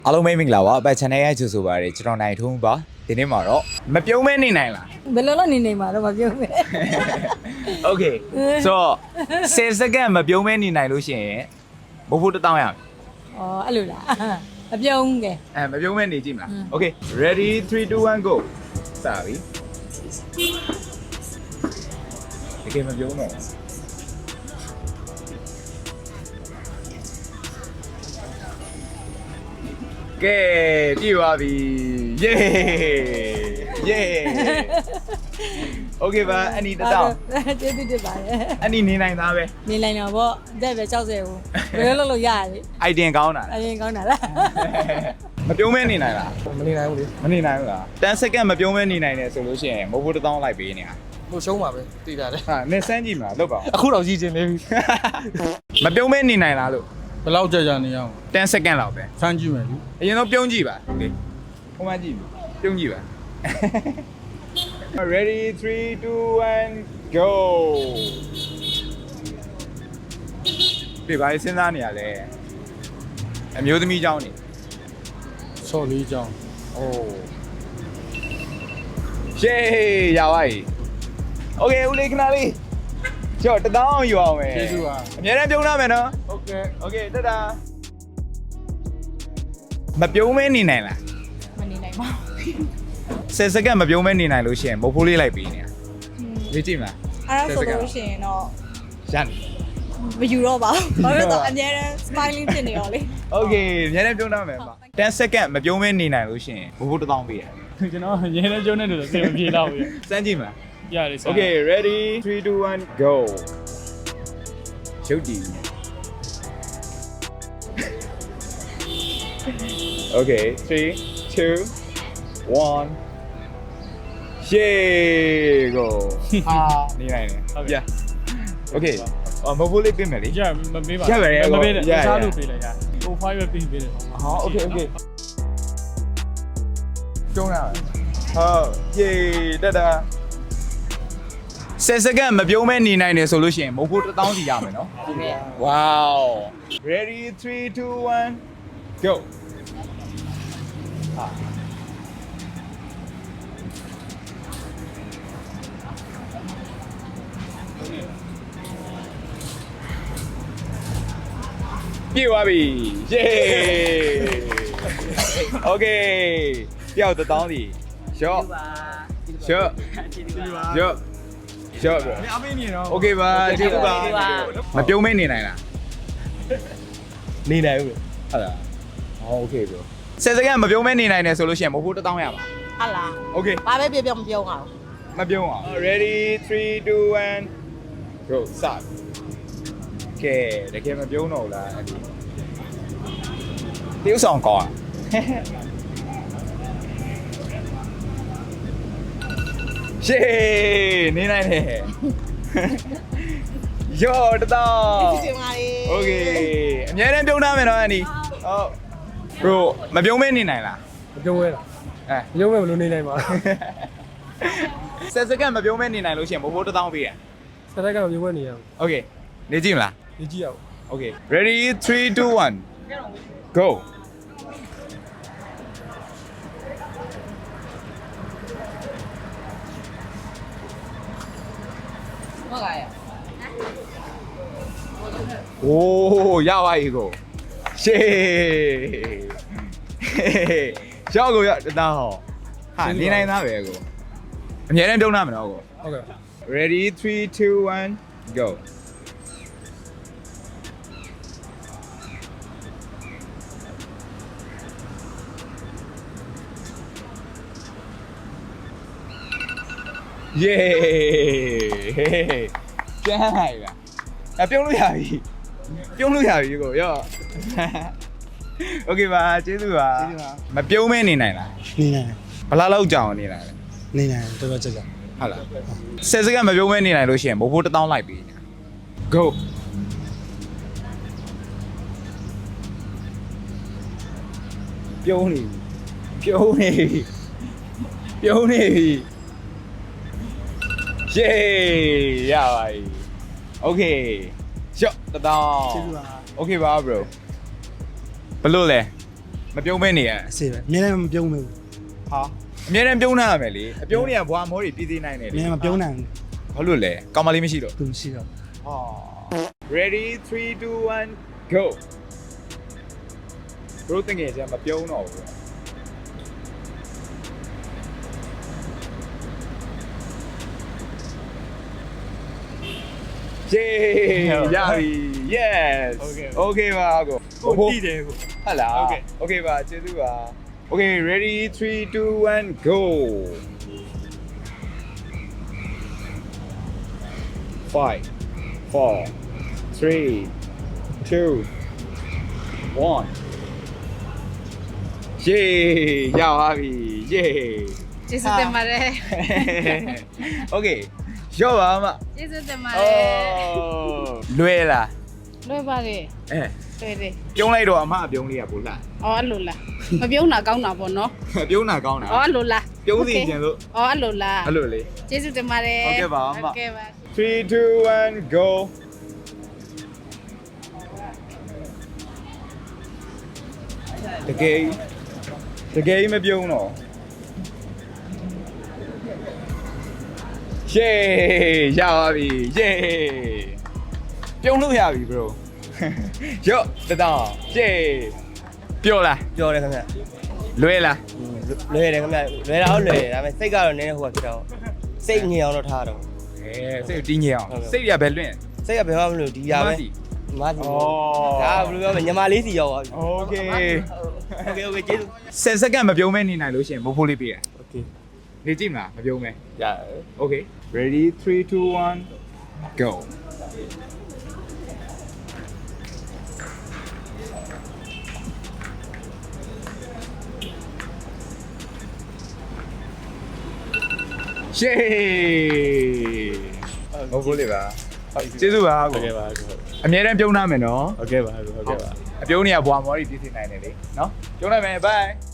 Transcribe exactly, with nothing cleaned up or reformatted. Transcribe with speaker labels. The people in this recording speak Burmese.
Speaker 1: အားလုံးမိတ်မင်္ဂလာပါအပတ် channel ရဲ့ကြိုဆိုပါရစေကျွန်တော်နိုင်ထုံးပါဒီနေ့မှာတော့မပြုံးမဲနေနိုင်လား
Speaker 2: ဘယ်လိုလုပ်နေနေမှာတော့မပြောမဲ
Speaker 1: Okay so ten second မပြုံးမဲနေနိုင်လို့ရှိရင်ဘိုးဘိုးတစ်တောင်းရမယ်
Speaker 2: ဩအဲ့လိုလားမပြောဘူးကဲ
Speaker 1: အဲမပြုံးမဲနေကြည့်မလား Okay ready three two one go စပြီဒီကမပြုံးတော့ကဲပြည့်သွားပြီ yay yay okay ပါအနီတတောင်း
Speaker 2: ကျေးဇူးတင်ပါတယ်
Speaker 1: အနီနေနိုင်သားပဲ
Speaker 2: နေလိုက်တော့ဗောအသက်ပဲ၆၀ဘူးဘယ်လိုလုပ်လို့ရရလဲ
Speaker 1: item ကောင်းတာ
Speaker 2: အရင်ကောင်းတာလား
Speaker 1: မပြုံးမဲနေနိုင်လား
Speaker 3: မနေနိုင်ဘူးလေ
Speaker 1: မနေနိုင်ဘူးလားten second မပြုံးမဲနေနိုင်တယ်ဆိုလို့ရှိရင်မဟုတ်ဘူးတစ်တောင်းလိုက်ပေးနေတာ
Speaker 3: ဟိုရှုံးပါပဲတည်တာလေ
Speaker 1: ဟာနေစမ်းကြည့်မလားလုပ်ပါဦး
Speaker 3: အခုတော့ကြီးချင်းနေပြီ
Speaker 1: မပြုံးမဲနေနိုင်လားလို့
Speaker 3: ဘယ်လောက်ကြာကြာနေအောင်
Speaker 1: ten second လောက်ပဲ
Speaker 3: ဖမ်းကြည့်မယ်လူ
Speaker 1: အရင်တော့ပြုံးကြည့်ပါโอเคဟိုမှကြည့်ပြုံးကြည့်ပါ ready three two one go ဒီဘာစဉ်းစားနေရလဲအမျိုးသမီးเจ้าနေ
Speaker 3: ဆော်လေးကြောင်း
Speaker 1: โอ้เย้ရပါပြီโอเคဦးလေးခဏလေးကျော်တတောင်းယူအောင်မယ်
Speaker 3: ကျေးဇူးပါ
Speaker 1: အများနဲ့ပြုံးရမယ်နော်
Speaker 3: โอเค
Speaker 1: โอเคတတာမပြုံးမဲနေနိုင်လား
Speaker 2: မနေနိုင်ပါဘူး
Speaker 1: ten second မပြုံးမဲနေနိုင်လို့ရှိရင်မုတ်ဖိုးလေးလိုက်ပေးနေတာလေ့ကြည့်မလား
Speaker 2: အဲ့ဒါဆိုလို့ရှိရင်တော့
Speaker 1: ရန်
Speaker 2: မယူတော့ပါဘူးဘာလို့လဲဆိုတော့အများနဲ့ smiling ဖြစ်နေရောလေ
Speaker 1: โอเคအများနဲ့ပြုံးရမယ်ပါten second မပြုံးမဲနေနိုင်လို့ရှိရင်မုတ်ဖိုးတစ်တောင်းပေးရ
Speaker 3: ကျွန်တော်ရဲနေကျုံးနေလို့စေမပြေတော့ဘူး
Speaker 1: စမ်းကြည့်မလား
Speaker 3: ရတယ်ဆရာ
Speaker 1: Okay ready three two one go ရုပ်တည် Okay three two one yeah go ဟာနေနိုင်တယ်ဟုတ်ပြ Okay အော်မဟုတ်လေးပြင်မယ်လေ
Speaker 3: ရမပေးပါ
Speaker 1: ရပါတယ်
Speaker 3: မပေးနဲ့
Speaker 1: ရရ
Speaker 3: စားလို့ပေးလိုက်ရဟိုဖိုင်ပဲပေးပေးတယ်
Speaker 1: ဟော Okay Okay ကျုံးရမယ်ဟုတ် yeah တတာten second မပြုံးမဲနေနိုင်တယ်ဆိုလို့ရှိရင်မုတ်ဖို့တစ်တောင်းစီရမယ်နော်
Speaker 2: ဟုတ်ကဲ့
Speaker 1: Wow ready three two one go ဟာပြေသွားပြီ yay okay ပြောက်တစ်တောင်းစီ short short short short
Speaker 3: မအမေးနေတော့
Speaker 1: Okay ပါကျေးဇူးပါမပြုံးမဲနေနိုင်လား
Speaker 3: နေနိုင်ဘူး
Speaker 1: ဟုတ်လားဟော Okay bro ten second မပြုံးမဲနေနိုင်တယ်ဆိုလို့ရှိရင်မဟုတ်ဘူးတစ်တောင်းရပါ
Speaker 2: ဟာလား
Speaker 1: Okay
Speaker 2: ဘာပဲပြောပြောမပြောအောင်
Speaker 1: မပြုံးအောင် ready three two one go start ကဲတကယ်မပြုံးတော့ဘူးလားအဲ့ဒီတေးဥဆောင်ကောင်းရှေးနေနိုင်တယ်ယောတတော်
Speaker 2: ကျေးဇူးတင်ပါတယ်
Speaker 1: Okay အများနဲ့ပြုံးထားမယ်နော်အန်ဒီဟုတ် bro မပြုံးမဲနေနိုင်လား
Speaker 3: မပြုံးဝဲလား
Speaker 1: အဲ
Speaker 3: မပြုံးဝဲဘယ်လိုနေနိုင်ပါ
Speaker 1: ten second မပြုံးမဲနေနိုင်လို့ရှိရင်ဘိုးဘိုးတစ်တောင်းပေးရ
Speaker 3: စတိုက်ကမပြုံးဝဲနေရအောင်
Speaker 1: Okay နေကြည့်မလား
Speaker 3: နေကြည့်အောင်
Speaker 1: Okay ready three two one go
Speaker 2: ဟုတ်ကဲ့
Speaker 1: โอ้ရပါပြီကိုရှေးရောက်ကိုရတသားဟောဟာနေနိုင်သားပဲကိုအများနဲ့ပြုံးထားမယ်နော်ကို
Speaker 3: ဟုတ်ကဲ့
Speaker 1: ready three two one go yeah ကျန်းလိုက်လားအပြုံးလို့ရပြီပြုံးလို့ရပြီကိုရော Okay ပါကျေးဇူးပါမပြုံးမဲနေနိုင်လား
Speaker 4: နေနိုင်
Speaker 1: ဘလားလောက်ကြောင်နေလား
Speaker 4: နေနိုင်တော်တော်ကြကြ
Speaker 1: ဟုတ်လားten second မပြုံးမဲနေနိုင်လို့ရှိရင်ဘိုးဘိုးတစ်တောင်းလိုက်ပြီ go ပြုံးနေပြုံးနေပြုံးနေပြီ Yay ရပါပြီ Okay ရှော့တတောင်း
Speaker 4: ကျေးဇူးပါ
Speaker 1: Okay ပါ bro ဘလို့လဲမပြုံးမဲနေရ
Speaker 4: အစေပဲအများနဲ့မပြုံးဘူး
Speaker 1: ဟာအမြဲတမ်းပြုံးထားရမယ်လေအပြုံးတွေကဘွားမောတွေပြည်သေးနိုင်တယ်
Speaker 4: အ
Speaker 1: လေ
Speaker 4: များမပြုံးနိုင်ဘူး
Speaker 1: ဘာလို့လဲကောင်မလေးမရှိတော့
Speaker 4: သူမရှိတော့
Speaker 1: ဟာ ready three two one go တို့တင်ငယ်ချင်းမပြုံးတော့ဘူးเย้ရပြီ yes okay okay ပါကို
Speaker 3: ကိုတီးတယ်ကို
Speaker 1: ဟုတ်လား
Speaker 3: Okay.
Speaker 1: okay ပါကျေးဇူးပါ okay ready three two one go five four three two one เย้ရပါပြီเย้
Speaker 2: ကျေးဇူးတင်ပါတယ်
Speaker 1: okay ရော့ပါမ
Speaker 2: ကျေးဇူးတင်ပါတ
Speaker 1: โอ้
Speaker 2: ယ်
Speaker 1: လွယ်လား
Speaker 2: လွယ်ပါတယ်
Speaker 1: အဲ
Speaker 2: လွယ်တယ်
Speaker 1: ပြုံးလိုက်တော့အမအပြုံးလေးကပိုလှ
Speaker 2: အော်အဲ့လိုလားမပြုံးတာကောင်းတာပေါ့နော်
Speaker 1: ပြုံးတာကောင်းတာ
Speaker 2: အော်အဲ့လိုလား
Speaker 1: ပြုံးစီကျင်လို့
Speaker 2: အော်အဲ့လိုလား
Speaker 1: အဲ့လိုလေ
Speaker 2: ကျေးဇူးတင်ပါတယ်
Speaker 1: ဟုတ်ကဲ့ပါအမ
Speaker 2: ဟုတ်ကဲ့ပါ
Speaker 1: three two one go တကယ်တကယ်မပြုံးတော့ရှေးရပါပြီရှေးပြုံးလို့ရပြီ bro ရော့တတောင်းရှေးပြောလား
Speaker 3: ပြောတယ်ခင်ဗျ
Speaker 1: လွဲလား
Speaker 3: လွယ်တယ်ခင်ဗျလွယ်တာဟုတ်လွယ်တယ်ဒါပေမဲ့စိတ်ကတော့နည်းနည်းဟိုကဖြစ်တော့စိတ်ငြိမ်အောင်တော့ထားတော့
Speaker 1: အဲစိတ်တင်းငြိမ်အောင်စိတ်ရပဲလွင့်
Speaker 3: စိတ်ကဘယ်မှမလို့ဒီရပဲမစီ
Speaker 1: ဩ
Speaker 3: ဒါဘယ်လိုပြောမလဲညီမလေးစီရောက်သွားပြီ
Speaker 1: okay
Speaker 3: โอเคโอเคကျေးဇူး
Speaker 1: tenစက္ကန့်မပြုံးမဲနေနိုင်လို့ရှရင်မိုးဖိုးလေးပေးရ
Speaker 3: โอเค
Speaker 1: နေကြည့်မလားမပြုံးမဲ
Speaker 3: ရ
Speaker 1: okay ready three two one go ရှေးမိုးဖိုးလေးပါကျေးဇူးပါ
Speaker 3: โอ
Speaker 1: ကို
Speaker 3: เคပါ
Speaker 1: အမြဲတမ်းပြုံးထားမယ်နော်
Speaker 3: โอเคပါโอเคပါ
Speaker 1: အပြုံးနေရဘွားမော်ရီပြည့်စည်နိုင်တယ်လေနော်ပြုံးလိုက်မယ် bye